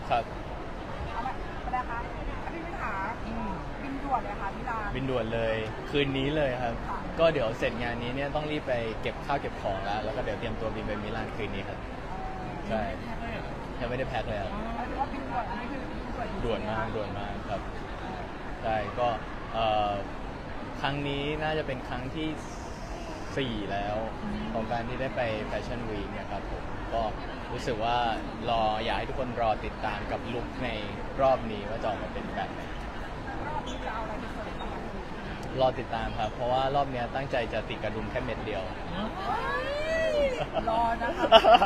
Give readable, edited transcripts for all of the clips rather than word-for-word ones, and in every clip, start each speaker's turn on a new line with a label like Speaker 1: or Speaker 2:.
Speaker 1: ครับ
Speaker 2: เอาละประดาคะพี่พิธาบินด่วนเลยค่ะพี่ลา
Speaker 1: บินด่วนเลยคืนนี้เลยครับ
Speaker 2: ค่ะ
Speaker 1: ก็เดี๋ยวเสร็จงานนี้เนี่ยต้องรีบไปเก็บข้าวเก็บของแล้วก็เดี๋ยวเตรียมตัวบินไปมิลานคืนนี้ครับใช่ยังไม่ได้แพ็คเลยครับ
Speaker 2: หมายถึงว่าบินด่วนอันนี้คือบินด่วน
Speaker 1: ด่วนมากครับใช่ก็ครั้งนี้น่าจะเป็นครั้งที่ 4 แล้วของการที่ได้ไปแฟชั่นวีคเนี่ยครับผมก็รู้สึกว่อยากให้ทุกคนรอติดตามกับลุคในรอบนี้ว่าจะออกมาเป็นแบบไหน
Speaker 2: รอบนี้จะเอาอะไรไปเสิร์ฟบ้างคะ
Speaker 1: รอติดตามครับเพราะว่ารอบเนี้ยตั้งใจจะติดกระดุมแค่เม็ดเดียว
Speaker 2: รอนะคะ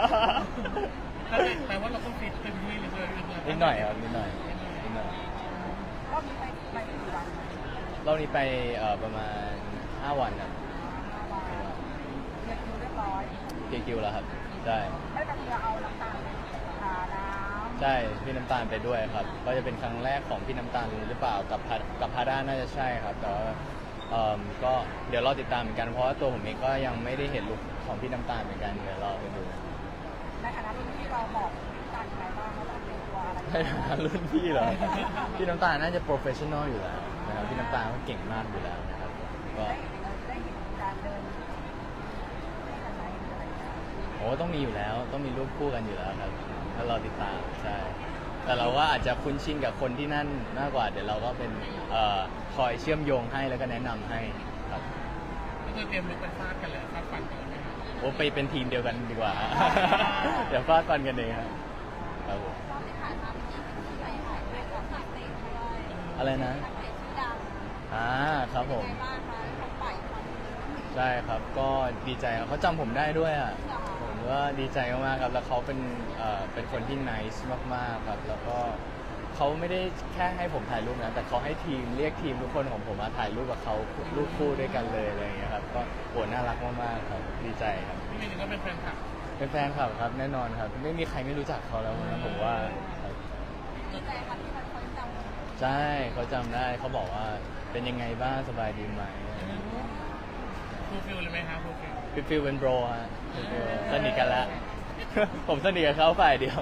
Speaker 3: แต่ว่าเราต้องฟิตเต็มที่เลย
Speaker 1: นิดหน่อยครับนิดหน่อย
Speaker 2: รอบนี้ไปกี่วัน
Speaker 1: รอบนี้ไปประมาณ 5 วันครับ
Speaker 2: เรียกคิวเรียบร้อย
Speaker 1: คิวแล้วครับใช่
Speaker 2: ไม่ไปเพื่อเอาน้ำตาลน้ำ
Speaker 1: ใช่พี่น้ำตาลไปด้วยครับก็จะเป็นครั้งแรกของพี่น้ำตาลหรือเปล่ากับพาด้าน่าจะใช่ครับแต่ว่าก็เดี๋ยวรอติดตามเหมือนกันเพราะว่าตัวผมเองก็ยังไม่ได้เห็นลุคของพี่น้ำตาลเหมือนกันเดี๋ยวรอไปดู
Speaker 2: ในฐานะรุ่นที่เราบอกการอะไรบ้างว่าเราเป็นตัวอะไร
Speaker 1: ในฐานะรุ่นพี่เหรอพี่น้ำตาลน่าจะโปรเฟชชั่นอลอยู่แล้วนะครับพี่น้ำตาลเขาเก่งมากอยู่แล้วนะครับก็
Speaker 2: ได้เห็นการเดินอะไรอะไร
Speaker 1: โอ้ต้องมีอยู่แล้วต้องมีรูปคู่กันอยู่แล้วครับถ้าเราติดตามใช่แต่เราก็อาจจะคุ้นชินกับคนที่นั่นมากกว่าเดี๋ยวเราก็เป็นคอยเชื่อมโยงให้แล้วก็แนะนำให้ครับ
Speaker 3: ก็คือเตรียมลุกไปฟาดกันเลยฟาดฟันกันเลย
Speaker 1: โอ้ไปเป็นทีมเดียวกันดีกว่า เดี๋ยวฟาดฟันกันเองครับครับผม
Speaker 4: รอบที่ผ่านมาเป็นที่ไปถ่ายด้วยกับนักเตะด้วย
Speaker 1: อะไรนะ
Speaker 4: นักเตะชื่อดัง
Speaker 1: ครับผม
Speaker 4: เป็นไงบ้างคะเขาปล่อยความ
Speaker 1: ใช่ครับก็ดีใจครับเขาจำผมได้ด้วยอ่ะ
Speaker 4: เหรอคะ
Speaker 1: ผมว่าดีใจมากๆครับแล้วเขาเป็นคนที่ nice มากๆครับแล้วก็เขาไม่ได้แค่ให้ผมถ่ายรูปนะแต่เขาให้ทีมเรียกทีมทุกคนของผมมาถ่ายรูปกับเขารูปคู่ด้วยกันเลยอะไรอย่างเงี้ยครับก็โหน่ารักมากๆครับดีใจครับ
Speaker 3: พี่มินก็เป็นแฟนคลับ
Speaker 1: เป็นแฟนคลับครับแน่นอนครับไม่มีใครไม่รู้จักเขาแล้วนะผมว่าครับ
Speaker 4: ดีใจค่ะที่มันคนจำ
Speaker 1: ใช่เขาจำได้เขาบอกว่าเป็นยังไงบ้างสบายดีไหม
Speaker 3: ฟูลฟิลเลยไหมคะฟูลฟิล
Speaker 1: ฟิลเป็นโบรฮะสนิทกันแล้ว ผมสนิทกับเขาฝ่ายเดียว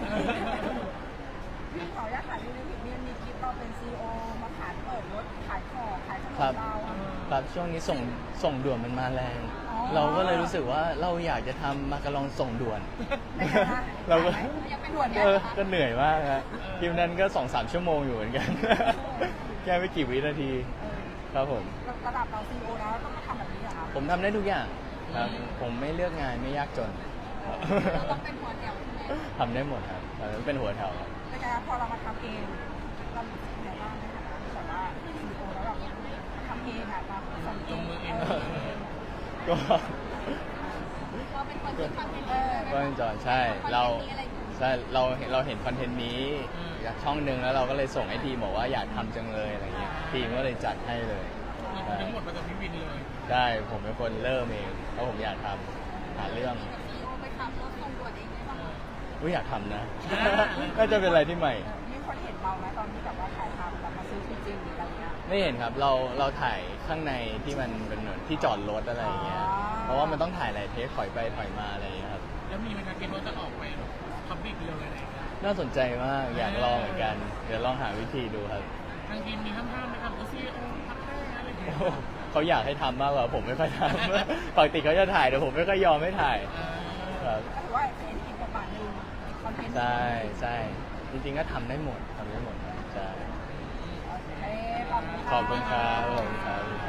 Speaker 2: พี่ขออนุญาตถ่ายรูปในผิดมีคลิปเราเป็นซีโอมาขายเปิดรถขายของขายขนม
Speaker 1: ครับ
Speaker 2: เรา
Speaker 1: ครับช่วงนี้ส่งด่วนมันมาแรง เราก็เลยรู้สึกว่าเราอยากจะทำมาการองส่งด่วน
Speaker 2: ในฐานะ
Speaker 1: เราก็
Speaker 4: ยังเป็นด่วน
Speaker 1: ก็เหนื่อยมากฮะทีมนั้นก็ 2-3 ชั่วโมงอยู่เหมือน กัน แค่ไม่กี่วินาที ครับผม
Speaker 2: ระดับเราซีโอแล้วต้องมาทำแบบนี้เหรอคะ
Speaker 1: ผมทำได้ทุกอย่างครับ ผมไม่เลือกงานไม่ยากจน
Speaker 4: เราต้องเป็นหัวแถวใช่ไหม
Speaker 1: ทำได้หมดครับเป็นหัวแถวครับ
Speaker 2: ในการพอเรามาทำเองเรามีสิ่งไหนบ้างในฐานะที่แบบว่าซีโอแล้วแบบทำเองอะมาส่งเอง
Speaker 1: ก็
Speaker 4: เราเป็นคนที่ทำเป็นเอง
Speaker 1: ก็เป็นจอนใช่เราเห็นคอนเทนต์นี้จากช่องหนึ่งแล้วเราก็เลยส่งให้ทีมบอกว่าอยากทำจังเลยอะไรเงี้ยทีมก็เลยจัดให้เลย
Speaker 3: ทั้งหมดมาจากพี่วินเลย
Speaker 1: ใช่ผมเป็นคนเริ่มเองเพราะผมอยากทำหาเรื่อง
Speaker 4: ซีโอไปขับรถส่งด่วนเองได้ป่ะคะ
Speaker 1: อยากทำนะ น่าจะเป็นอะไรที่ใหม่
Speaker 2: มีคนเห็นเราไหมตอนที่แบบว่าถ่ายทำแบบมาซื้อจริงๆหรืออะไรเงี้ย
Speaker 1: ไม่เห็นครับเราถ่ายข้างในที่มันเป็นเหมือนที่จอดรถอะไรอย่างเงี้ยเพราะว่ามันต้องถ่ายหลายเทคถอยไปถอยมาอะไรอย่างเงี้ยครับ
Speaker 3: แล้วมีไหมคะคิดว่าจะออกไปพับบิกเลยอะไรอย่างเงี้ย
Speaker 1: น่าสนใจมากอยากลองเหมือนกันเดี๋ยวลองหาวิธีดูครับ
Speaker 3: ทางทีมมีห้ามไหมครับซีโอพักแค่อะไรอย่างเงี้ย
Speaker 1: โอ้เขาอยากให้ทำมากกว่าผมไม่ค่อยทำ ปกติเขาจะถ่ายแต่ผมไม่ค่อยยอมให้ถ่ายครับ
Speaker 2: ก็ถือว่าเป็นอีกบทบาทหนึ่งคอนเทนต์
Speaker 1: ใช่จริงๆก็ทำได้หมดครับใช่
Speaker 2: โอเค
Speaker 1: ขอบคุณครับ